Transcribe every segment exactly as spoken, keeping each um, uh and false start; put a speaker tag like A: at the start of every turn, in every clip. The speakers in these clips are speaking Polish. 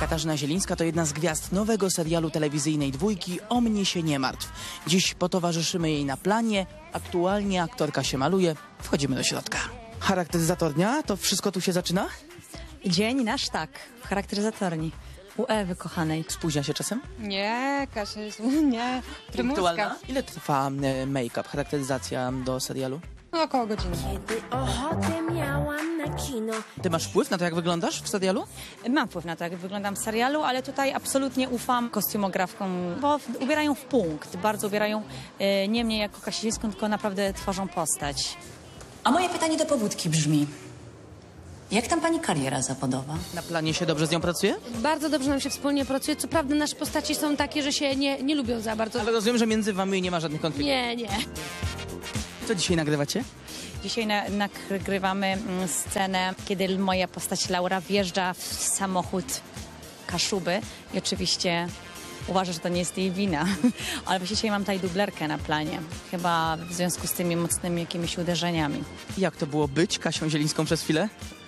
A: Katarzyna Zielińska to jedna z gwiazd nowego serialu telewizyjnej Dwójki O mnie się nie martw. Dziś potowarzyszymy jej na planie. Aktualnie aktorka się maluje. Wchodzimy do środka. Charakteryzator dnia? To wszystko tu się zaczyna?
B: Dzień nasz tak, w charakteryzatorni. U Ewy kochanej.
A: Spóźnia się czasem?
C: Nie, Kasia jest, nie, prymuska.
A: Ile trwa e, make-up, charakteryzacja do serialu?
C: No, około godziny.
D: Kiedy ochotę miałam na kino.
A: Ty masz wpływ na to, jak wyglądasz w serialu?
B: Mam wpływ na to, jak wyglądam w serialu, ale tutaj absolutnie ufam kostiumografkom, bo w, ubierają w punkt. Bardzo ubierają e, nie mnie jako Kasińską, tylko naprawdę tworzą postać.
E: A moje pytanie do pobudki brzmi: jak tam pani kariera zawodowa?
A: Na planie się dobrze z nią pracuje?
F: Bardzo dobrze nam się wspólnie pracuje. Co prawda nasze postaci są takie, że się nie, nie lubią za bardzo.
A: Ale rozumiem, że między wami nie ma żadnych konfliktów.
F: Nie, nie.
A: Co dzisiaj nagrywacie?
B: Dzisiaj na, nagrywamy mm, scenę, kiedy moja postać Laura wjeżdża w samochód Kaszuby i oczywiście uważa, że to nie jest jej wina. Ale właśnie dzisiaj mam tutaj dublerkę na planie. Chyba w związku z tymi mocnymi jakimiś uderzeniami.
A: Jak to było być Kasią Zielińską przez chwilę?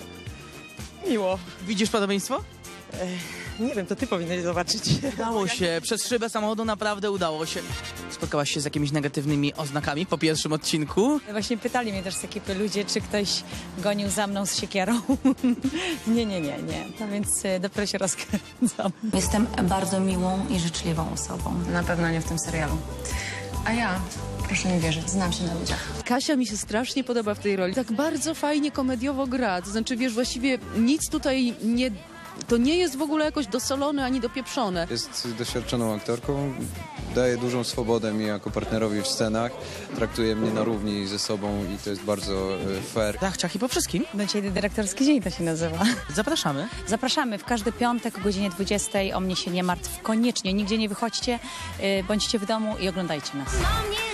G: Miło.
A: Widzisz podobieństwo?
G: Nie wiem, to ty powinieneś zobaczyć.
A: Udało się. Przez szybę samochodu naprawdę udało się. Spotkałaś się z jakimiś negatywnymi oznakami po pierwszym odcinku?
B: Właśnie pytali mnie też z ekipy ludzie, czy ktoś gonił za mną z siekierą. nie, nie, nie, nie. No więc y, dopiero się rozkręcam.
E: Jestem bardzo miłą i życzliwą osobą. Na pewno nie w tym serialu. A ja, proszę mi wierzyć, znam się na ludziach.
H: Kasia mi się strasznie podoba w tej roli. Tak bardzo fajnie komediowo gra. To znaczy, wiesz, właściwie nic tutaj nie... To nie jest w ogóle jakoś dosolone ani dopieprzone.
I: Jest doświadczoną aktorką, daje dużą swobodę mi jako partnerowi w scenach, traktuje mnie na równi ze sobą i to jest bardzo e, fair.
A: Tak, ciach i po wszystkim.
B: No dzisiaj dyrektorski dzień to się nazywa.
A: Zapraszamy.
B: Zapraszamy w każdy piątek o godzinie dwudziestej. O mnie się nie martw. Koniecznie, nigdzie nie wychodźcie, y, bądźcie w domu i oglądajcie nas.
D: O mnie